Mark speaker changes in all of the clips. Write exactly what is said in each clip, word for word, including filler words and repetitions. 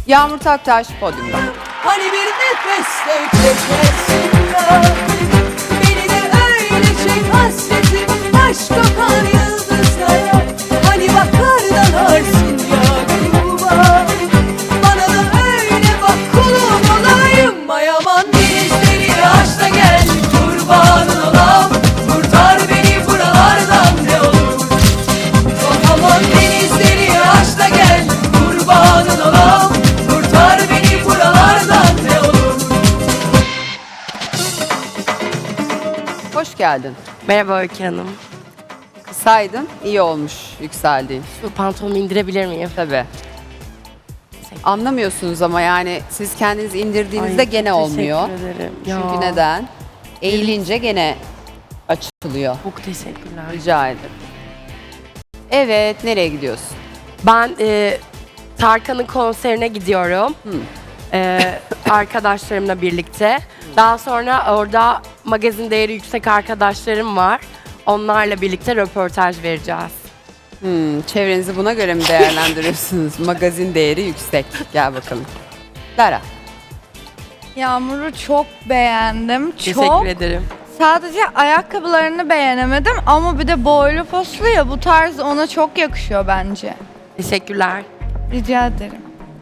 Speaker 1: Yağmur Taktaş podyumda.
Speaker 2: Hani bir nefeste geçersin ya. Beni de öyle çek hasretim, aşk kokar yıldızlara. Hani bakar dalarsın ya gruba. Bana da öyle bak, kulum olayım. Ay aman denizleri aç da gel, kurbanın olam. Kurtar beni buralardan ne olur. Oh aman denizleri aç da gel, kurbanın olam. Kurtar beni buralardan ne olur.
Speaker 1: Hoş geldin.
Speaker 3: Merhaba Öykü Hanım.
Speaker 1: Kısaydın, iyi olmuş yükseldiğin.
Speaker 3: Şu pantolonumu indirebilir miyim?
Speaker 1: Tabii. Anlamıyorsunuz ama yani siz kendinizi indirdiğinizde
Speaker 3: Ay,
Speaker 1: gene olmuyor.
Speaker 3: Teşekkür ederim.
Speaker 1: Çünkü
Speaker 3: Ya,
Speaker 1: neden? Eğilince gene açılıyor.
Speaker 3: Çok teşekkürler.
Speaker 1: Rica ederim. Evet, nereye gidiyorsun?
Speaker 3: Ben e, Tarkan'ın konserine gidiyorum.
Speaker 1: Hı.
Speaker 3: E, arkadaşlarımla birlikte. Daha sonra orada magazin değeri yüksek arkadaşlarım var. Onlarla birlikte röportaj vereceğiz.
Speaker 1: Hmm, çevrenizi buna göre mi değerlendiriyorsunuz? Magazin değeri yüksek. Gel bakalım. Lara.
Speaker 4: Yağmur'u çok beğendim. Çok.
Speaker 3: Teşekkür ederim.
Speaker 4: Sadece ayakkabılarını beğenemedim ama bir de boylu poslu ya, bu tarz ona çok yakışıyor bence.
Speaker 3: Teşekkürler.
Speaker 4: Rica ederim.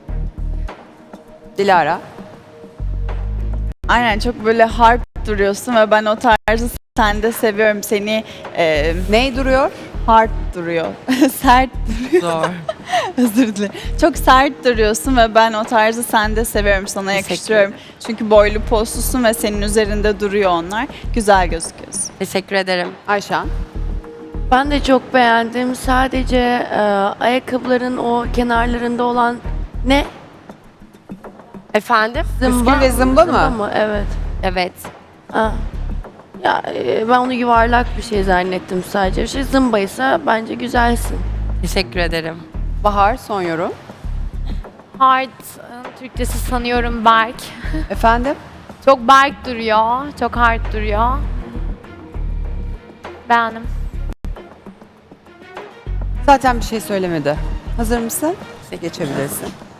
Speaker 1: Dilara.
Speaker 5: Aynen, çok böyle hard duruyorsun ve ben o tarzı sende seviyorum. Seni e,
Speaker 1: Ney duruyor?
Speaker 5: hard duruyor. Sert duruyor.
Speaker 3: Zor.
Speaker 5: Özür dilerim. Çok sert duruyorsun ve ben o tarzı sende seviyorum. Sana
Speaker 3: Teşekkür
Speaker 5: yakıştırıyorum. Çünkü boylu poslusun ve senin üzerinde duruyor onlar. Güzel gözüküyorsun.
Speaker 3: Teşekkür ederim.
Speaker 1: Ayşan.
Speaker 6: Ben de çok beğendim. Sadece e, ayakkabıların o kenarlarında olan ne?
Speaker 3: Efendim?
Speaker 1: Püskül ve zımba mı?
Speaker 6: Evet.
Speaker 3: Evet.
Speaker 6: Ha. Ya e, ben onu yuvarlak bir şey zannettim sadece. Şey zımbaysa bence güzelsin.
Speaker 3: Teşekkür ederim.
Speaker 1: Bahar, son yorum.
Speaker 7: Hard, Türkçesi sanıyorum Berk.
Speaker 1: Efendim?
Speaker 7: Çok Berk duruyor, çok hard duruyor. Beğendim.
Speaker 1: Zaten bir şey söylemedi. Hazır mısın? Geçebilirsin.